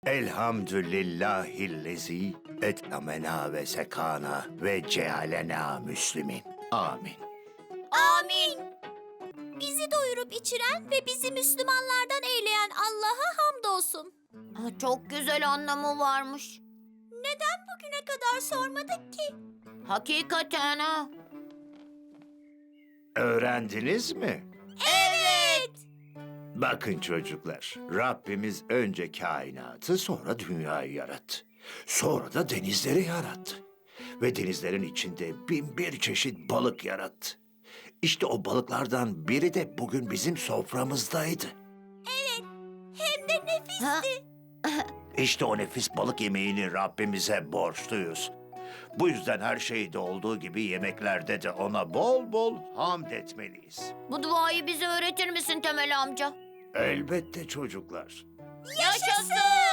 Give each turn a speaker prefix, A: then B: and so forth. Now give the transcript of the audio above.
A: Elhamdülillahillezi et'amena ve sekana ve cealena müslimin. Amin.
B: Amin. Bizi doyurup içiren ve bizi Müslümanlardan eyleyen Allah'a hamdolsun.
C: Çok güzel anlamı varmış.
B: Neden bugüne kadar sormadık ki?
C: Hakikaten ha.
A: Öğrendiniz mi?
B: Evet.
A: Bakın çocuklar, Rabbimiz önce kainatı, sonra dünyayı yarattı. Sonra da denizleri yarattı. Ve denizlerin içinde bin bir çeşit balık yarattı. İşte o balıklardan biri de bugün bizim soframızdaydı.
B: Hem de nefisti.
C: Ha?
A: İşte o nefis balık yemeğini Rabbimize borçluyuz. Bu yüzden her şeyde olduğu gibi yemeklerde de ona bol bol hamd etmeliyiz.
C: Bu duayı bize öğretir misin Temel amca?
A: Elbette çocuklar.
C: Yaşasın!